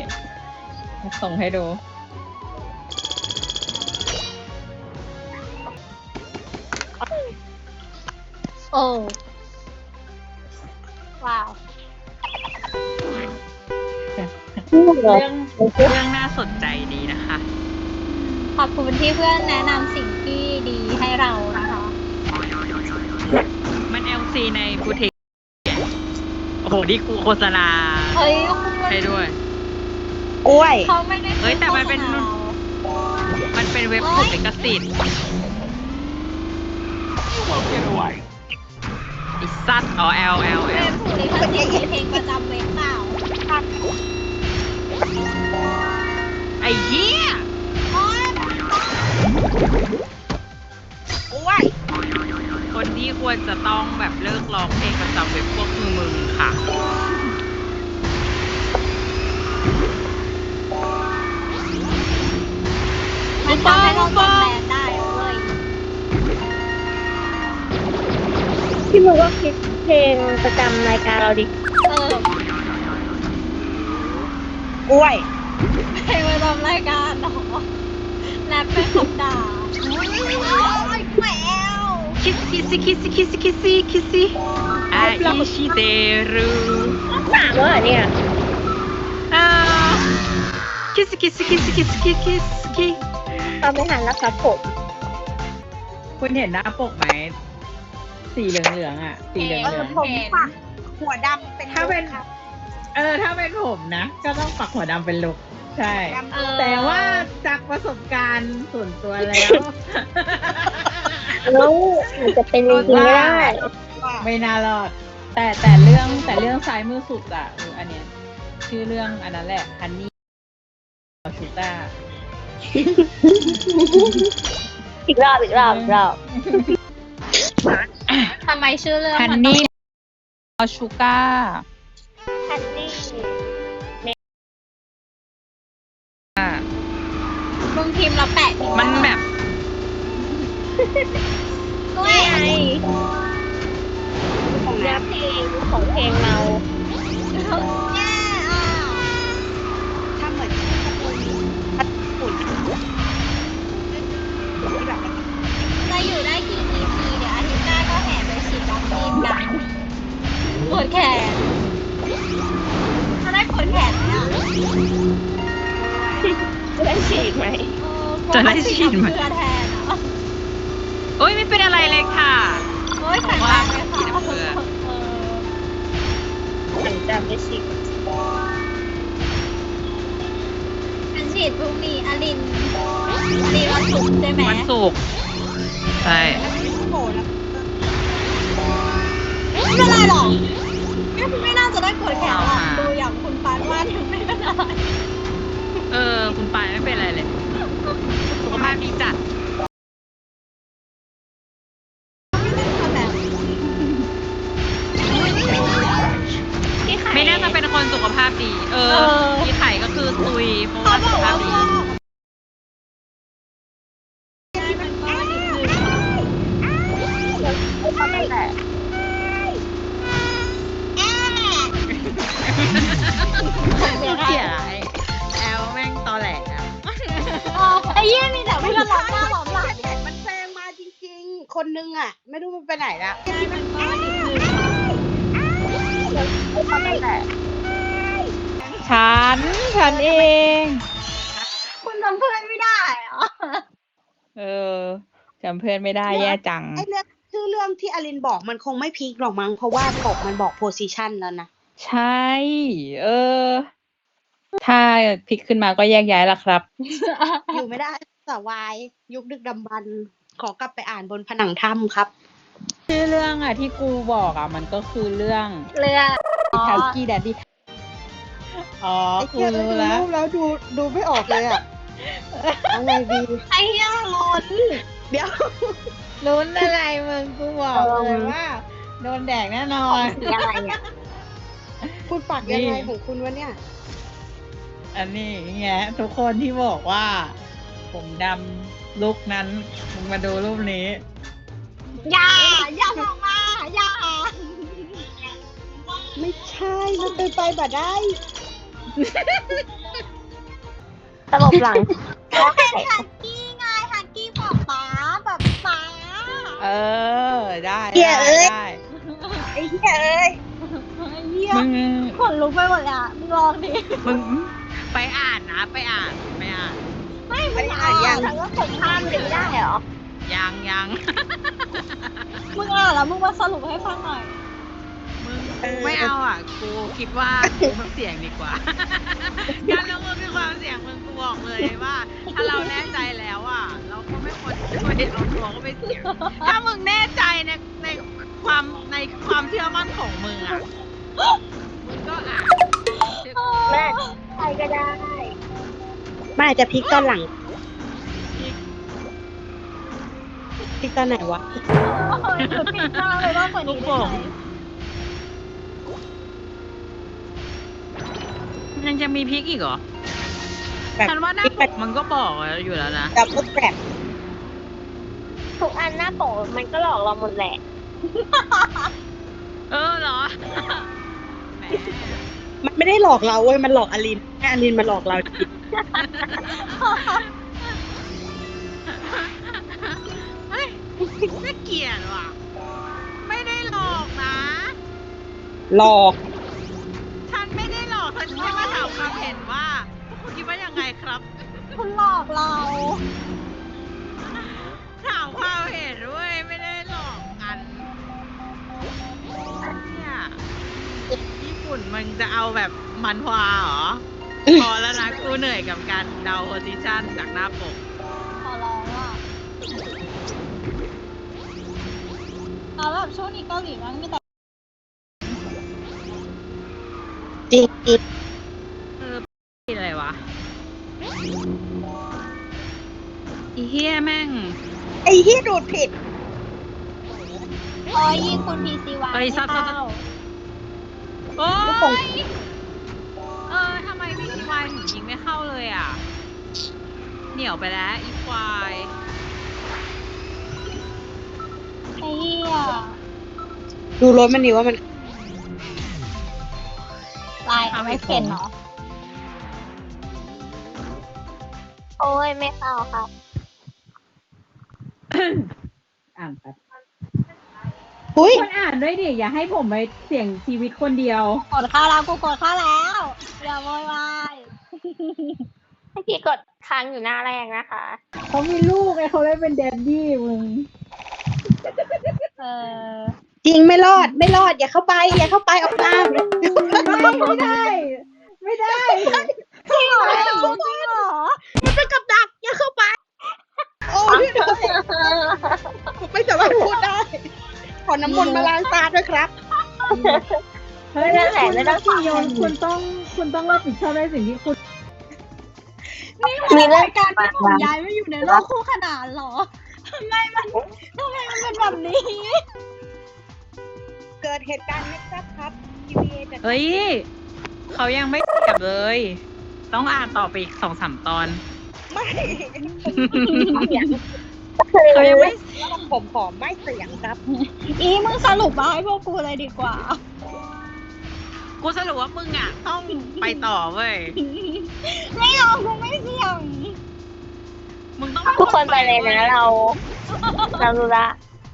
ส่งให้ดูโอ้ว้าวเรื่องน่าสนใจดีนะคะขอบคุณที่เพื่อนแนะนำสิ่งที่ดีให้เรานะคะมัน LC ในบูติกโอ้โหนี่กูโฆษณาเฮ้ยให้ด้วยกล้วยเขาไม่ได้เฮ้ยแต่มันเป็นโฆษณามันเป็นเว็บถูกลิขสิทธิ์ไอ้สัตว์อ๋อ L เว็บถูกลิขสิทธิ์เพลงประจำเว็บเปล่าไอ้เหี้ยโอ๊ยกล้วยคนที่ควรจะต้องแบบเลิกร้องเพลงประจำเว็บพวกคือมึงค่ะมันทำให้เราจำแบรนด์ได้เว้ยพี่มึงก็คิดเพลงประจำรายการเราดิเออกล้วยเพลงประจำรายการเนาะแรปเป็นคำด่าโอ้ยแหววคิสซี่คิสซี่คิสซี่คิสซี่คิสซี่อาอิชิเตรุสามแล้วเหรอเนี่ยคิสซี่คิสซี่คิสซี่คิสซี่คิสซี่ตอนไม่หันแล้วครับผมคุณเห็นหน้าปกไหมสีเหลืองๆอ่ะสีเหลืองผมปักหัวดำเป็นถ้าเป็นครับถ้าเป็นผมนะ ก็ต้องปักหัวดำเป็นลุกใช่ดำเออแต่ว่าจากประสบการณ์ส่วนตัวแล้วแล้วมันจะเป็นจริงๆไม่ได้ไม่น่ารอด แต่เรื่องซ้ายมือสุดอ่ะอันเนี้ยชื่อเรื่องอันนั้นแหละฮันนี่ชูต้าอีกรอบอีกรอบอีกรอบทำไมชื่อเรื่องฮันมันนี่ชูก้าฮันนี่มึงพิมพ์แล้วแปะทิ้งมันแบบด้วยนี่ไงของเนื้อเพลงของเพลงเราแย่อ่ะถ้าเหมือนที่ตะปูฝุ่นที่แบบจะอยู่ได้กี่ EP เดี๋ยวอาทิตย์หน้าก็แห่ไปฉีดวัคซีนกันปวดแขนจะได้ปวดแขนไหมอ่ะจะได้ฉีดไหมจะได้ฉีดไหมเพื่อแทนอ่ะโอ้ยไม่เป็นอะไรเลยค่ะโอ้ยแข็งแรงเลยค่ะเพื่อหลังจากได้ฉีดฉันฉีดพรุ่งนี้อลินวันศุกร์ใช่ไหมวันศุกร์ใช่โผล่แล้วไม่เป็นไรหรอกไม่น่าจะได้ปวดแขนหรอกดูอย่างคุณปานว่าถึงไม่เป็นไรคุณปายไม่เป็นอะไรเลยสุขภาพดีจัดพี่ไข่ไม่น่าจะเป็นคนสุขภาพดี พี่ไข่ก็คือตุยเพราะเขาว่าบสุอกขภาว่าพดีมันก็นิดนึงนั่นแหละเสียแอลแม่งตอแหลอะไอ้เยี่ยมีแต่ไม่ละล้อหน้าล้อหลังเด็กมันแซงมาจริงๆ คนนึงอ่ะ ไม่รู้มันไปไหนละมันก็นิดนึงนั่นแหละฉันเองคุณทำเพื่อนไม่ได้เหรอจำเพื่อนไม่ได้แย่จังไอ้เรื่องชื่อเรื่องที่อลินบอกมันคงไม่พีคหรอกมั้งเพราะว่าปกมันบอกโพสิชันแล้วนะใช่ ถ้าพลิกขึ้นมาก็แยกย้ายละครับอยู่ไม่ได้สวายยุคดึกดำบรรพ์ขอกลับไปอ่านบนผนังถ้ำครับชื่อเรื่องอ่ะที่กูบอกอ่ะมันก็คือเรื่องเรือทากี้แดดดี้อ๋อไอ้กูเจ้ารู้ดูแล้วรูปแล้วดูไม่ออกเลยอ่ะเอาไงดีไอ้เหี้ยล้นเดี๋ยวลุ้นอะไรมึงกูบอกเลยว่าโดนแดกแน่นอนสีอะไรอ่ะคุณปักยังไงนี่ของคุณวะเนี่ยอันนี้ไงทุกคนที่บอกว่า ผมดำลุกนั้นมึงมาดูรูปนี้อย่าบอกมาอย่าไม่ใช่มันเป็นไปแบบได้ลบหลังก็เป็นฮักกี้ไงฮักกี้บอกป๊าแบบป๊าได้เหี้ยเอ้ยได้ไอ้เหี้ยเอ้ยเหี้ยมึงขนลุกไปหมดเลยอะมึงลองดิมึงไปอ่านนะไปอ่านไม่มึไม่งได้อ่านยังทั้งก็กดข้ามเลยได้เหรอยังมึงอ่านแล้วมึงมาสรุปให้ฟังหน่อยมึงกูไม่เอาอ่ะ กูคิดว่ากูมันเสี่ยงดีกว่า การลงมือมีความเสี่ยงมึงกูบอกเลยว่า ถ้าเราแน่ใจแล้วอ่ะ เราก็ไม่ควรจะไปเอาตัวก็ไปเสี่ยง ถ้ามึงแน่ใจในความเชื่อมั่นของมึงอ่ะ มึงก็อ่านแม่ใครก็ได้มันอาจจะพลิกตอนหลังพลิกตอนไหนวะหรือปิดหน้าเลยว่ากว่านี้ได้ไหมยังจะมีพริกอีกเหรอแบบฉันว่าหน้าปกมันก็บอกอยู่แล้วนะดับเบิลแกรบทุกอันหน้าปกมันก็หลอกเราหมดแหละเหรอ แหมมันไม่ได้หลอกเราเว้ยมันหลอกอลินแค่อลินมาหลอกเราจริงเฮ้ยน่าเกลียดว่ะ ไม่ได้หลอกนะหลอกฉันไม่ได้หลอกฉันแค่มาถามความเห็นว่าพวกคุณคิดว่ายังไงครับคุณหลอกเราถามความเห็นด้วยไม่ได้หลอกกันเนี่ยญี่ปุ่นมันจะเอาแบบมันฮวาเหรอ พอแล้วนะกูเหนื่อยกับการเดาโพซิชันจากหน้าปกขอร้องอ่ะเอาแบบช่วงนี้เกาหลีมันมีแต่จริงจริงอะไรวะอีเฮียแม่งไอ้เหี้ยดูดผิดโอ้ยยิงคุณพีซีวาเอ้ยไม่ซับเข้าโอ้ยทำไมพี่ควายถึงยิงไม่เข้าเลยอ่ะ เหนียวไปแล้วอีควายไอ้เหี้ยดูรถมันดีว่ามันลายเอาไม่เป็นเนาะโอ้ยไม่เข้าครับอ่านครับอุ้ยคนอ่านด้วยดิอย่าให้ผมไปเสี่ยงชีวิตคนเดียวกดเข้าแล้วกูกดเข้าแล้วอย่าโวยวายเมื่อกี้กดค้างอยู่หน้าแรกนะคะเขามีลูกไงเขาเลยเป็นแดดดี้มึงเออจริงไม่รอดไม่รอดอย่าเข้าไปอย่าเข้าไปออกมาไม่ได้ ไม่ได้จริงเหรอจริงเหรอมันเป็นกับดักอย่าเข้าไป โอ้ยผมไม่สามารถพูดได้ ขอน้ำมนต์มาล้างตาด้วยครับเฮ้ยไม่ได้แหละไม่ต้องคุณโยนคุณต้องรับผิดชอบในสิ่งที่คุณมีเรื่องการที่ผมย้ายมาอยู่ในโลกคู่ขนานเหรอทำไมมันเป็นแบบนี้เกิดเหตุการณ์ไม่ทราบครับ TVA จะเฮ้ยเขายังไม่เสียบเลย ต้องอ่านต่อไปอีก2-3 ตอนไม่เขายังไม่ผมขอไม่เสียงครับอีมึงสรุปมาให้พวกกูเลยดีกว่ากูสรุปว่ามึงอ่ะ ต้องไปต่อเว้ยไม่เอากูไม่เสี่ยงมึงต้องทุกคนไปเลยนะเรารู้ละ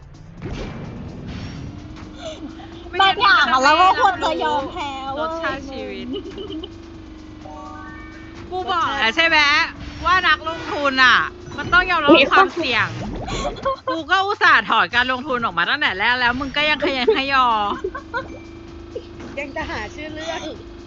บางอย่างอะเราก็ควรจะยอมแพ้รเว้สยชาติชีวิต กูบอกแล้วใช่ไหมว่านักลงทุนอ่ะ มันต้องยอมรับความเสี่ยง กูก็อุตส่าห์ถอดการลงทุนออกมาตั้งแต่แรกแล้ว มึงก็ยังขยันขยอยังจะหาชื่อเรื่อง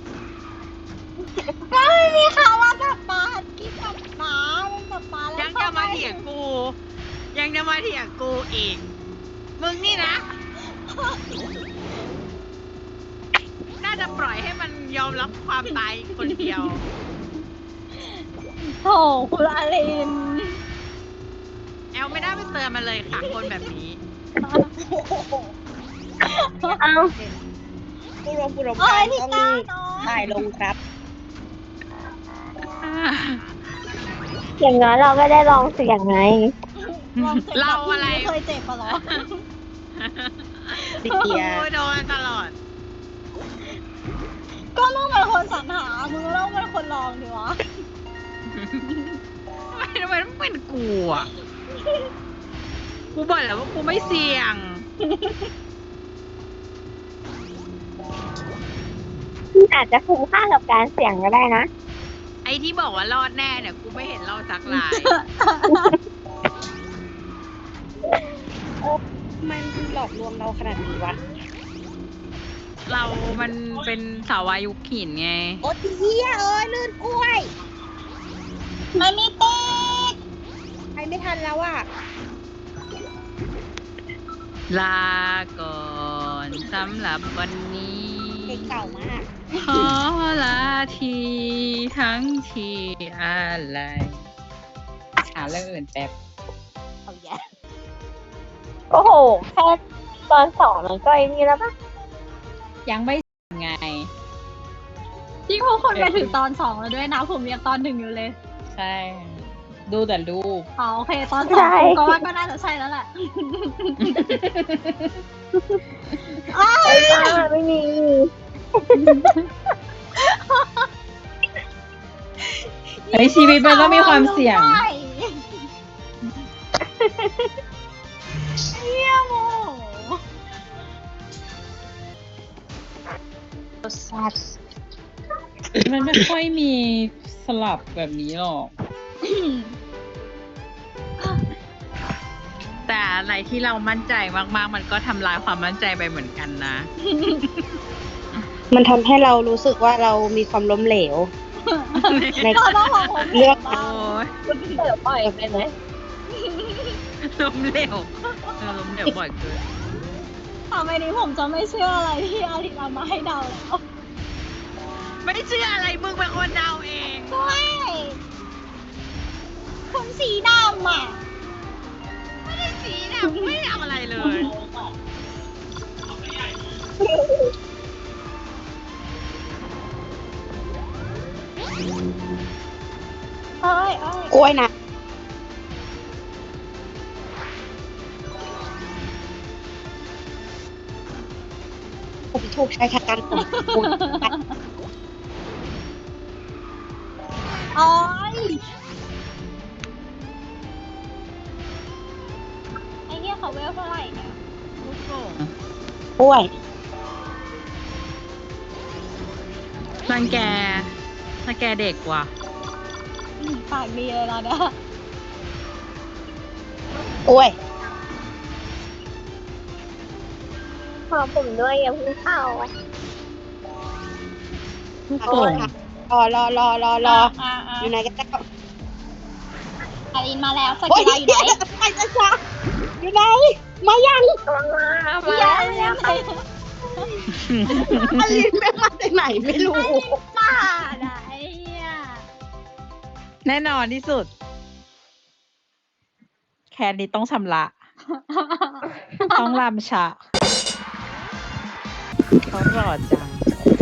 ก็ไม่มีข่าวว่าแบบปลากินกับปลาเป็นแบบปลาแล้วยังจะมาเถียงกู ยังจะมาเถียงกูอีก มึงนี่นะ น่าจะปล่อยให้มันยอมรับความตายคนเดียวโถคุณอารินแอลไม่ได้ไปเตือนมันเลยค่ะ คนแบบนี้เอ้าผู้รวมเอ้กาย รพี่ต้องก้าน้อยถ่ายลงครับอย่างน้อยเราก็ได้ลองเสียงไงลองเจ็บเราอะไรม่เคยเจ็บปะเหรอติเตียโอ้ยโดนตลอดก็มึงเป็นคนสรรหามึงต้องเป็นคนลองดิวะทำไมต้องเป็นกูอ่ะ กูบอกแล้วว่ากูไม่เสี่ยงอาจจะคุ้มค่ากับการเสี่ยงก็ได้นะไอ้ที่บอกว่ารอดแน่เนี่ย กูไม่เห็นรอดสักรายทำไมมันหลอกลวงเราขนาดนี้วะเรามันเป็นสาวายุคหินไงโอ๊ยเฮียเอ้ยลื่นกล้วยมันไม่ติดไปไม่ทันแล้วอ่ะลาก่อนสำหรับวันนี้เพลงเก่ามากขอลาทีทั้งทีอะไรหาเรื่องอื่นแป๊บเอาแย่โอ้โห แค่ตอนสองมันก็ไอ้นี่แล้วปะยังไม่ไงที่พวกคนไปถึงตอน 2 แล้วด้วยนะ ผมยังตอน 1 อยู่เลยใช่ ดูแต่รูปอ๋อโอเค ตอน 2ผมก็ว่าก็น่าจะใช่แล้วแหละไอ้บ้าไม่มีในชีวิตมันต้องมีความเสี่ยงเยี่ยมโมมันไม่ค่อยมีสลับแบบนี้หรอก แต่อะไรที่เรามั่นใจมากๆ มันก็ทำลายความมั่นใจไปเหมือนกันนะมันทำให้เรารู้สึกว่าเรามีความล้มเหลว ในเราต้องของผมเลือกโอ้ยเปิดปล่อยไปไหมล้มเหลวล้มเหลวบ่อยเกินต่อไปนี้ผมจะไม่เชื่ออะไรที่อาริเอามาให้เดาแล้วไม่เชื่ออะไรมึงเป็นคนเดาเองด้วยคนสีดำอ่ะไม่ได้สีเนี่ยไม่ได้เอาอะไรเลยเอ้ยกล้วยนะผมถูกใช้ชะกันผมคุณโอ้ยไอ้เนี่ยเขาเวลเท่าไหร่เนี่ยลูกโป่งกล้วยรังแกเด็กว่ะปากดีเลยเราเนี่ยกล้วยขอผมด้วยอย่าเพิ่งเข้าลูกโป่งรออยู่ไหนกันเจ้าอารินมาแล้วสโอ้ยกิลาอยู่ไหนไปจ้าอยู่ไหน มายังยังอลินแม่งมาจากไหนไม่รู้ป้าไหนอ่ะแน่นอนที่สุด แคนนี้ต้องชำระ ต้องรำชะเขาหล่อจัง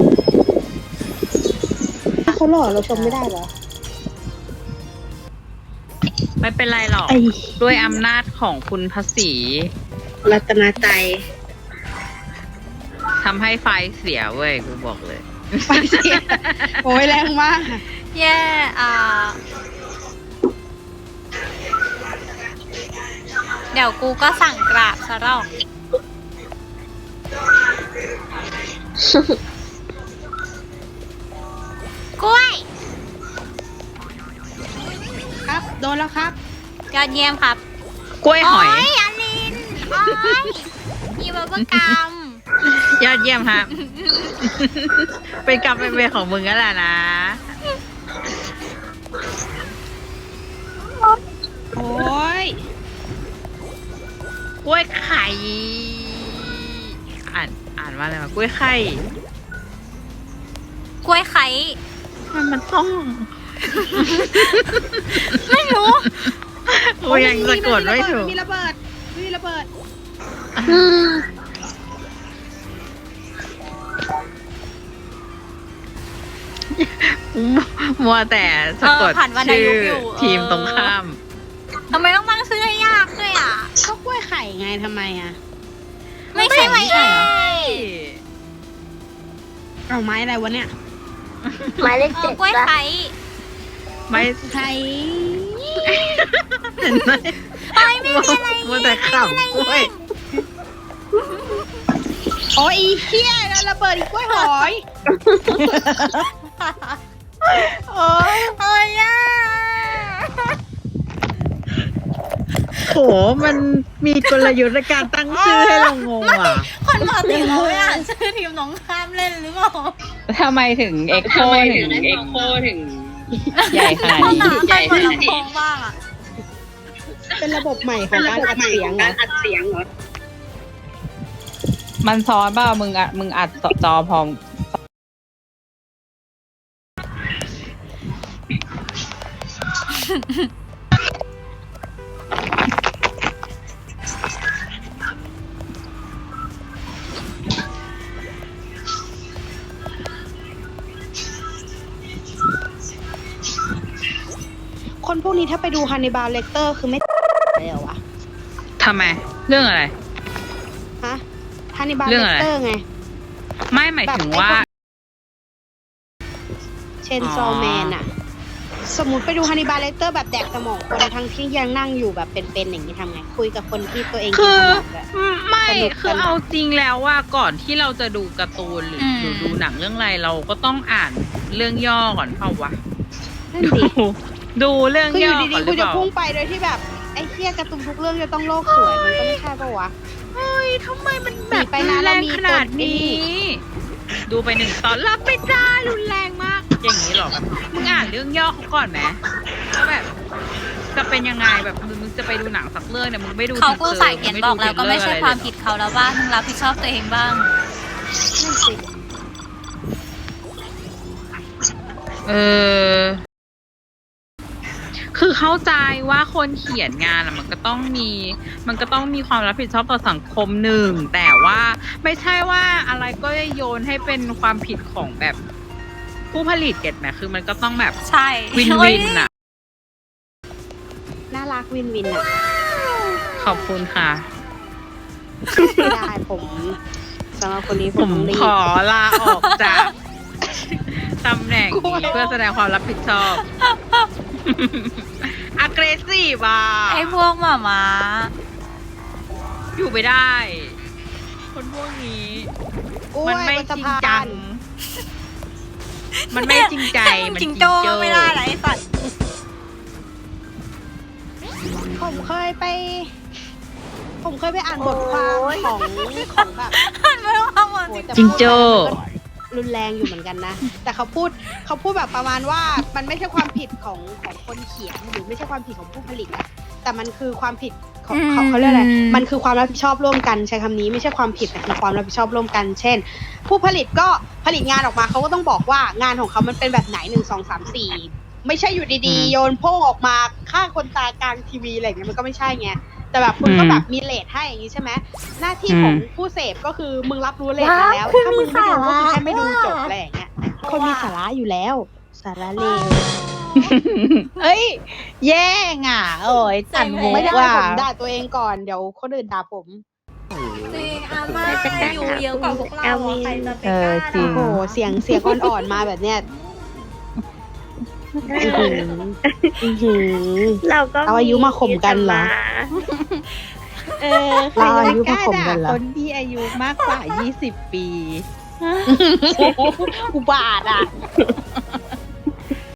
เขาหล่อเราชมไม่ได้เหรอไม่เป็นไรหรอกไอ้ด้วยอำนาจของคุณพระศรีรัตนาใจทำให้ไฟเสียเว้ย กูบอกเลยไฟเสีย โอ้ยแรงมากแย่เดี๋ยวกูก็สั่งกราบซะหรอกกล้วยครับ โดนแล้วครับยอดเยี่ยมครับกล้วยหอยอลินโอ้ยมีบับเบิ้ลกัมยอดเยี่ยมครับ เป็นกรรมเป็นเวรของมึงนั่นแหละนะโอ้ยกล้วยไข่ อ่านว่าอะไรวะกล้วยไข่กล้วยไข่มันต้องไม่รู้กูยังสะกดไม่ถูกมีระเบิด มีระเบิดมัวแต่สะกดผ่านวรรณชื่ยุอกอยู่ทีมตรงข้ามทำไมต้องตั้งชื่อให้ยากด้วยอ่ะก็กล้วยไข่ไงทำไมอ่ะไม่ใช่ไหมเอ้ยเอาไม้อะไรวะเนี่ยหมายเลขเอเจ็อดกล้วยปะไข่ไม่ใครเห็นไหมไอ้ไม่มีอะไรมัวแต่ขำกล้วยโอ้ยอีเหี้ยแล้วระเบิดอีกกล้วยหอยโอ้ยอ่ะโหมันมีกลยุทธ์ในการตั้งชื่อให้เรางงอ่ะคนปกติเขาไม่อ่านชื่อทีมน้องข้ามเล่นหรือเปล่าทำไมถึงเอ็กโคถึงใหญ่ขนาดห้องนี้น้ำใครเปิดลำโพงบ้างอ่ะเป็นระบบใหม่ของการอัดเสียงเหรอมันซ้อนเปล่ามึงอัดจอพร้อมคนพวกนี้ถ้าไปดูฮันนิบาลเลกเตอร์คือไม่เลยเหรอวะทำไม เรื่องอะไรฮะฮันนิบาลเรื่เลองอะไรกเตอร์ไงไม่หมายถึงว่าเชนซอแมนอะสมมติไปดูฮันนิบาลเลกเตอร์แบบแดกสมองคนทั้งที่ยังนั่งอยู่แบบเป็นๆอย่างนี้ทำไง คุยกับคนที่ตัวเองคือถนัดอะไม่สนุกคือเอาจริงแล้วว่าก่อนที่เราจะดูการ์ตูนหรือดูหนังเรื่องอะไรเราก็ต้องอ่านเรื่องย่อก่อนเปล่าวะนั่นสิดูเรื่องคืออยู่ย่อก่ดีอนหๆรืกูอเปจะล่าพุ่งไปโดยที่แบบไอ้เหี้ยการ์ตูนทุกเรื่องจะต้องโลกสวยมันก็ไม่ใช่ปะวะเฮ้ยทำไมมันแบบหนีไปนะรุนแรงเรามีขนาดตัวนี้นี้ ดูไป1 ตอนรับไปจ้ารุนแรงมาก อย่างนี้หรอแบบมึงอ่านเรื่องย่อเขาก่อนไหมแล้วแบบจะเป็นยังไงแบบมึงจะไปดูหนังสักเรื่องเนี่ยมึงไม่ดูเขาก็ทีซอร์สายเขียนบอกแล้วก็ไม่ใช่ความผิดเขาแล้วบ้างมึงรับผิดชอบตัวเองบ้างนั่นสิเออ คือเข้าใจว่าคนเขียนงานอะมันก็ต้องมีความรับผิดชอบต่อสังคมหนึ่งแต่ว่าไม่ใช่ว่าอะไรก็โยนให้เป็นความผิดของแบบผู้ผลิตเก็ตไหมคือมันก็ต้องแบบใช่วินโอ้วิยนอะน่ารักวินวินอะขอบคุณค่ะไม่ได้ผมสำหรับคนนี้ผผม มต้องรีบขอลาออกจาก ตำแหน่งนี้เพื่อแสดงความรับผิดชอบ aggressive อ่ะไอ้พวกหมาม้าอยู่ไม่ได้ คนพวกนี้โอ้ยมันไม่บนจสะริงพาจันง มันไม่จริงใจ มันจิงโจ้ก็ไม่ได้นะไอ้สัตว์ผมเคยไปอ่านบทความของแบบมันไม่ต้องเอาหมดโอ้แต่จิงโจ้รุนแรงอยู่เหมือนกันนะ แต่เขาพูดแบบประมาณว่ามันไม่ใช่ความผิดของคนเขียนหรือไม่ใช่ความผิดของผู้ผลิตอะแต่มันคือความผิดของเขาเรียกอะไรมันคือความรับผิดชอบร่วมกันใช้คำนี้ไม่ใช่ความผิดแต่คือความรับผิดชอบร่วมกัน เช่น ผู้ผลิตก็ผลิตงานออกมาเขาก็ต้องบอกว่างานของเขามันเป็นแบบไหน1 2 3 4ไม่ใช่อยู่ดีๆโยนโพ่งออกมาฆ่าคนตายกลางทีวีอะไรอย่างเงี้ยมันก็ไม่ใช่ไงแต่แบบคุณก็แบบมีเรทให้อย่างงี้ใช่ไหมหน้าที่ของผู้เสพก็คือมึงรับรู้เรทมาแล้วถ้ามึงไม่ดูก็คือแค่ไม่ดูจบอะไรอย่างเงี้ยคนมีสาระอยู่แล้ว สาระเลวเอ้ย แย่งอ่ะ โอ้ยจันมุกไม่ได้ว่าผมด่าตัวเองก่อนเดี๋ยวคนอื่นด่าผมจริงอามาอยู่เยอะกว่าพวกเราอะใครจะไปเอก อล้าจริงโอ้โหเสียงอ่อนๆมาแบบเนี้ยอื้อหืออื้อหือเราก็เอาอายุมาข่มกันเหรอเออเราอายุมาข่มกันเหรอคนที่อายุมากกว่า 20 ปีอุบาทอ่ะ